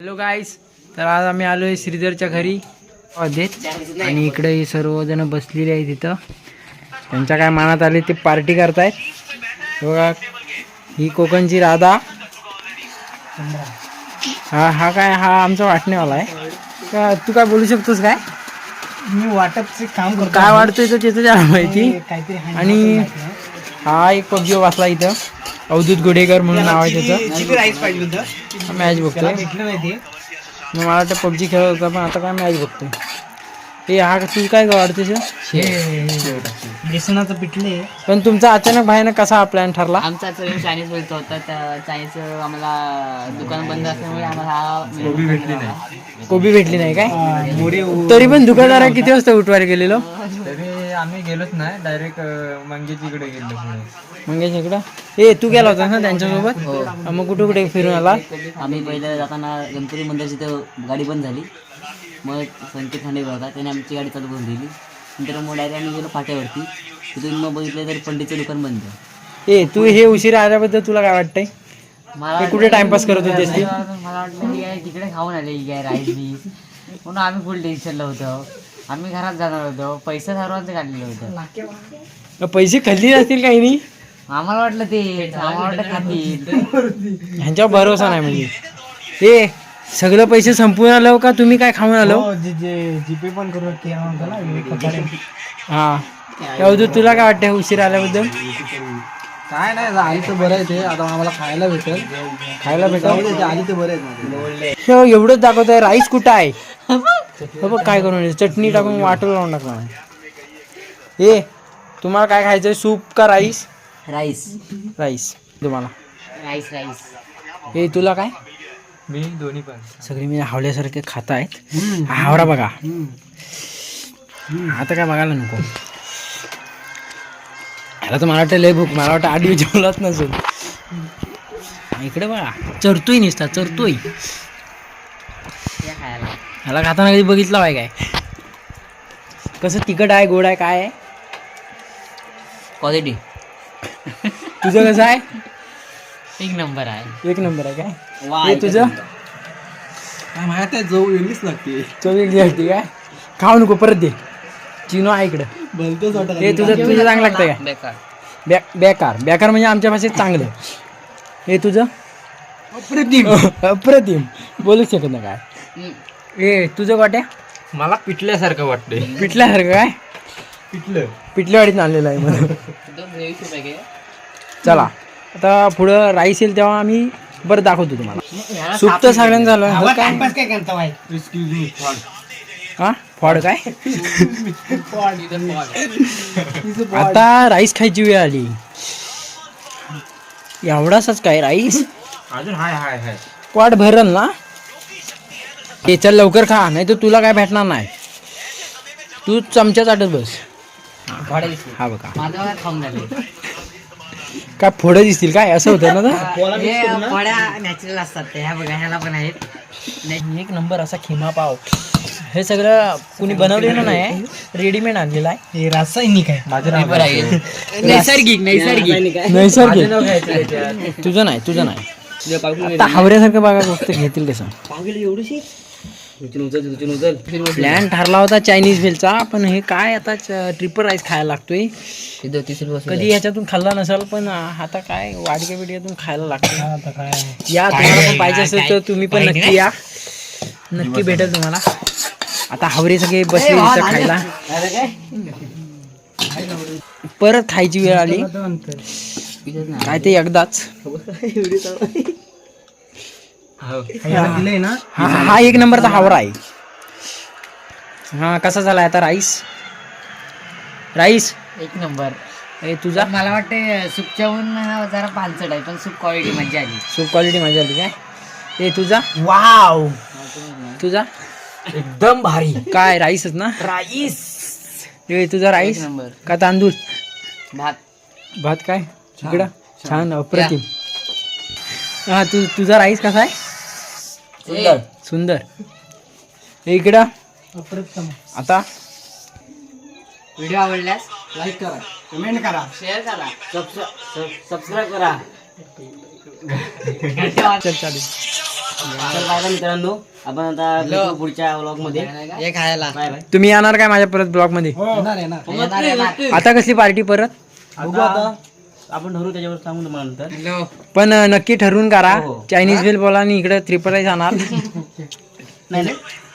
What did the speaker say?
Hello गाईस, तर आज आम्ही आलो आहे श्रीधरच्या घरी देत आणि इकडे हे सर्वजण बसलेले आहेत तिथं. त्यांच्या काय मनात आले ते पार्टी करतायत. बघा, ही कोकणची राधा. हा काय हा आमचा वाटणेवाला आहे का? तू काय बोलू शकतोस काय? मी वाटपचे काम करतो. काय वाटतोय तर त्याचं त्याला माहिती. आणि हा एक पबजी बसला इथं, अवधूत गुडेकर म्हणून नाव आहे त्याचं. राईस पाहिजे होतं, मॅच बघतोय. भेटलं नाही ते. मला वाटतं पबजी खेळत होता, पण आता काय मॅच बघतोय. हे हा तू काय वाटतेस? बेसनाचं पिठले. पण तुमचा अचानक बाहेर कसा हा प्लॅन ठरला? आमचा चायनीज बोलतो होता, त्या चायनीजचं आम्हाला दुकान बंद असल्यामुळे आम्हाला कोबी भेटली नाही काय? मोरे तरी पण दुकानदारा किती वाजता उठवायला गेलेलो? तरी आम्ही गेलोच नाही, डायरेक्ट मंगेजीकडे गेलो. मंगेश इकडं तू गेला होता ना त्यांच्यासोबत? मग कुठे कुठे फिरून आला? आम्ही पहिलं जाताना गणपती मंदिराची तर गाडी बंद झाली. मग संकेत खांडेकर होता, त्याने आमची गाडी चालू करून दिली. नंतर मग डायरेक्ट आम्ही गेलो फाट्यावरती. तिथून मग बघितलं तर पंडितचं दुकान बंद. तू हे उशिरा आल्याबद्दल तुला काय वाटतंय? मला कुठे टाइमपास करत होतेस ती? मला वाटलं की काय तिकडे खाऊन आले की काय राईस बीस, म्हणून आम्ही फुल टेन्शनला होतो. आम्ही घरात जाणार होतो, पैसा सर्वांचं काढलेलं होतं. पैसे खाल्ली नसतील काही नाही. आम्हाला वाटलं ते आम्हाला वाटलं खातील. ह्यांच्यावर भरोसा नाही म्हणजे. सगळं पैसे संपून आलो का तुम्ही काय खाऊन आलो? जीपे पण करू हा, अवधूत तुला काय वाटतं उशीर आल्याबद्दल? काय नाही, आली तर बरं आहे. ते आता आम्हाला खायला भेटेल. आली तर बरं आहे. एवढंच दाखवतोय. राईस कुठं आहे? बघ काय करून चटणी टाकून वाटून लावून टाकणार. तुम्हाला काय खायचंय, सूप का राईस? राईस राईस तुम्हाला. Rice rice. तुला काय? मी दोन्ही पण. सगळे मी हावल्यासारखे खात आहेत. हावरा बघा, आता काय बघायला नको. ह्याला तर मला वाटतं लय भूक. मला वाटतं 8 दिवस जेवलाच नसेल. इकडे बघा, चरतोय निसता चरतोय. ह्याला खाताना कधी बघितलं आहे काय? कसं तिखट आहे, गोड आहे, काय आहे? क्वालिटी तुझं कसं आहे? एक नंबर आहे. एक नंबर आहे काय? तुझं काय माहित आहे, जाऊ वेगळीच लागते. चोवीस लागते काय? खाऊ नको, परत दे. चिनो आहे इकडं. भलतंच वाटत. तुझं चांगलं लागतं का? बेकार. बेकार. बेकार म्हणजे आमच्या भाषेत चांगलं. तुझं अप्रतिम. अप्रतिम. बोलू शकत ना काय? तुझं वाट्या? मला पिठल्यासारखं वाटतंय. पिठल्यासारखं काय? पिठल्यावाडीत आणलेलं आहे मला. चला, आता पुढं राईस येईल तेव्हा आम्ही बरं दाखवतो तुम्हाला. सूप तर सगळ्यांना झालं. हा, फॉड काय? आता राईस खायची वेळ आली. एवढाच काय राईस? अजून हाय वाट भरल ना. चल लवकर खा, नाही तर तुला काय भेटणार नाही. तू चमच्या चाटत बस. हा बघा, माझं खाऊन झाले. काय फोडं दिसतील काय? असं होतं ना. फळ्या नॅचरल असतात ते. ह्या बघा, ह्याला पण आहेत. एक नंबर असा खिमा पाव. हे सगळं कुणी बनवलेलं नाही, रेडीमेड आणलेलं आहे. हे रासायनिक आहे. नैसर्गिक. तुझं नाही. आता हावऱ्यासारखं बघा गोष्ट घेतील कसं. प्लॅन ठरला होता चायनीज भेलचा, पण हे काय आता ट्रिपल राईस खायला लागतोय. कधी ह्याच्यातून खाल्ला नसेल, पण आता काय वाडक्या बिडक्यातून खायला लागतो. या, तुम्हाला पण पाहिजे असेल तर तुम्ही पण नक्की या. नक्की भेटेल तुम्हाला. आता हावरे सगळे बसले इथं खायला. परत खायची वेळ आली काय ते एकदाच. हा एक नंबरचा हावरा आहे. हा, कसा झाला आता राईस? एक नंबर. तुझा? मला वाटते सूपच्याहून जरा पानसट आहे, पण सूप क्वालिटी मजा आली. सूप क्वालिटी मजा आली काय? तुझा? वाव, तुझा एकदम भारी. काय राईसच ना? राईस. तुझा राईस नंबर. का तांदूळ? भात काय इकडं छान अप्रतिम. हा, तुझा राईस कसा आहे? सुंदर. इकडं आता व्हिडिओ आवडल्यास लाईक करा, कमेंट करा, शेअर करा, सबस्क्राईब करा. चल चालेल. चल बाय बाय मित्रांनो, आपण आता भेटू पुढच्या व्लॉग मध्ये. हे खायला बाय बाय. तुम्ही येणार काय माझ्या परत ब्लॉग मध्ये? नक्की. आता कसली पार्टी परत? बघू आता. आपण ठरवू त्याच्यावर सांगू तुम्हाला नंतर. पण नक्की ठरवून करा. हो. चायनीज भेल बोला आणि इकडे 3 राईस आणा. नाही नाही